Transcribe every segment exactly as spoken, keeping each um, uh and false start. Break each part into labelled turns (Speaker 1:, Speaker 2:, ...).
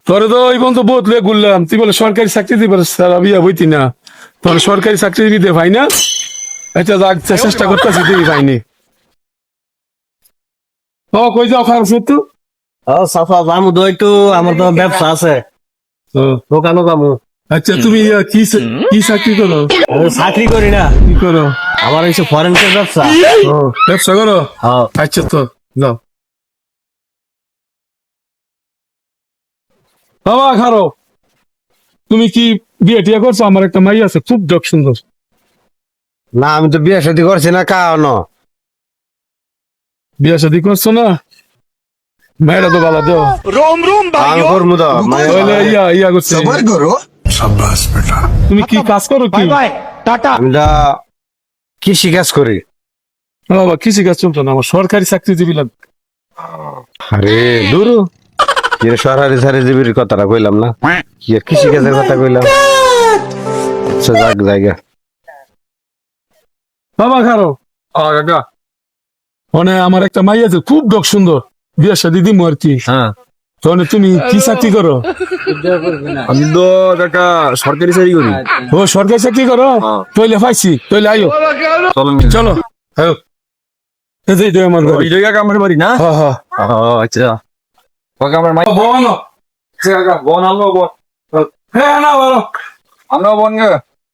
Speaker 1: তোরে তো এই পর্যন্ত বহুত লয়ে ঘুরলাম, তুই বলে সরকারি চাকরি দিবার সারা বিয়া বইতি না, তোর সরকারি চাকরি দিতে ভাই না। আচ্ছা যাক, চেষ্টা করতেছি, দিবি ভাইনি। ও কই যাও খারাপ সত্যি?
Speaker 2: ও সাফা জামু তো একটু, আমার তো ব্যবসা আছে, দোকানও যাবো।
Speaker 1: আচ্ছা তুমি ইয়া কি চা- কি চাকরি করো?
Speaker 2: আমি চাকরি করি না,
Speaker 1: কি করো?
Speaker 2: আমার হচ্ছে ফরেন্সের ব্যবসা।
Speaker 1: ও ব্যবসা করো?
Speaker 2: হ্যাঁ।
Speaker 1: আচ্ছা তো যাও বাবা খারো। তুমি কি বিয়ে টিয়া করছো? আমার একটা মাই আছে খুব ডক সুন্দর।
Speaker 2: না আমি তো বিয়ে শাদী করছি না, কানো
Speaker 1: বিয়ে শাদী করছো না? মেয়েরা তো বালা দেও।
Speaker 2: আমি করবো তো মানে
Speaker 1: তাহলে ইয়া ইয়া করছে। তুমি কি কাজ করো কি?
Speaker 2: আমি তো কৃষি কাজ করি।
Speaker 1: বাবা কৃষি কাজ চলতো না, আমার সরকারি চাকরিজীবী লাগবে।
Speaker 2: আরে দূর কি রে, সরকারি চাকরিজীবীর কথাটা কইলাম না, কি আর কৃষি কাজের কথা কইলাম। আচ্ছা যাক জায়গা।
Speaker 1: বাবা খারো। কাকা মানে আমার একটা মাই আছে খুব ডক সুন্দর, বিয়ে শাদী দিমু আর কি।
Speaker 2: হ্যাঁ
Speaker 1: তাহলে তুমি কি চাকরি করো?
Speaker 2: আমি তো কাকা সরকারি চাকরি করি।
Speaker 1: ও সরকারি চাকরি করো? তইলে পাইছি, তইলে আইও।
Speaker 2: চলো
Speaker 1: চলো আয়ো। এই যে আমার বাড়ি।
Speaker 2: ওই কাকা আমার বাড়ি না?
Speaker 1: হ্যাঁ হ্যাঁ।
Speaker 2: ও আচ্ছা, কাকা আমার মাই
Speaker 1: বোন
Speaker 2: কাকা বোন আনলো বোন,
Speaker 1: হ্যাঁ না বলো।
Speaker 2: আনলো বোন গে।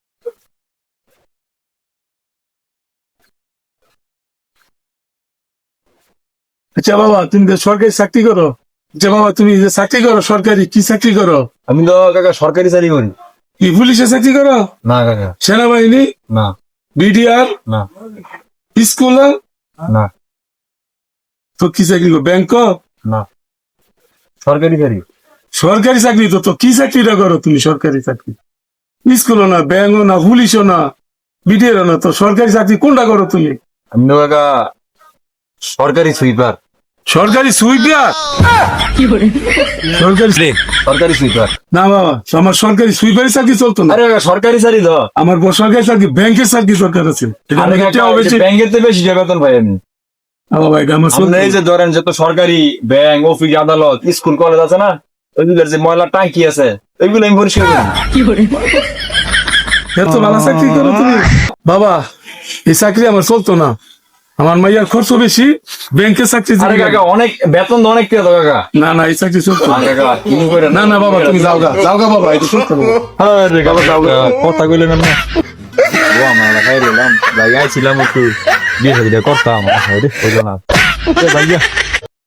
Speaker 1: আচ্ছা বাবা তুমি যে সরকারি চাকরি করো, আচ্ছা বাবা তুমি যে চাকরি করো সরকারি, কি চাকরি করো?
Speaker 2: আমি তো কাকা সরকারি চাকরি করি।
Speaker 1: কি পুলিশে চাকরি করো?
Speaker 2: না কাকা
Speaker 1: সেনাবাহিনী,
Speaker 2: না
Speaker 1: বিডিআর,
Speaker 2: না
Speaker 1: স্কুল?
Speaker 2: না
Speaker 1: তো কি চাকরি করো? ব্যাংক?
Speaker 2: না সরকারি চাকরি।
Speaker 1: সরকারি চাকরি তো, তো কি চাকরিটা করো তুমি? সরকারি চাকরি স্কুলও না, ব্যাংকও না, পুলিশও না, বিডিআরও না, তো সরকারি চাকরি কোনটা করো তুমি?
Speaker 2: আমি তো কাকা সরকারি সুইপার।
Speaker 1: সরকারি সুইপার? সরকারি
Speaker 2: সরকারি সুইপার।
Speaker 1: না বাবা, আমার সরকারি সুইপারি চাকরি চলতো না।
Speaker 2: আরে কাকা সরকারি চাকরি তো।
Speaker 1: আমার বড় সরকারি চাকরি ব্যাংকের চাকরি সরকার আছে। এটা
Speaker 2: আরে
Speaker 1: নাকি
Speaker 2: কাকা,
Speaker 1: টাকা বেশি।
Speaker 2: ব্যাংকের তো বেশি যে বেতন পাই আমি।
Speaker 1: ও ভাই, এটা আমার চলতো
Speaker 2: আমরা এই
Speaker 1: না।
Speaker 2: যে ধরেন যত সরকারি ব্যাংক, অফিস, আদালত, স্কুল, কলেজ আছে না, ওইগুলোর যে ময়লা টাঙ্কি আছে ওইগুলো আমি পরিষ্কার করি।
Speaker 1: এত ভালো চাকরি করো তুমি? বাবা এই চাকরি আমার চলতো না, আমার মাইয়ার খরচ বেশি, ব্যাংকের চাকরি
Speaker 2: আরে
Speaker 1: জীবী
Speaker 2: কাকা
Speaker 1: লাগে।
Speaker 2: অনেক বেতন তো অনেক পেয়ে তো কাকা।
Speaker 1: না না এই চাকরি চলতো না।
Speaker 2: আর কাকা কি করে
Speaker 1: না না বাবা তুমি যাও গা, যাও গা বাবা, এটা চলতো না।
Speaker 2: আরে কাকা যাও গা, কথা কইলেন না। ও আমার খাই দিলাম, ভাই আইছিলাম একটু বিয়ে শাদীটা করতাম, আরে হইলো না। এ ভাইয়া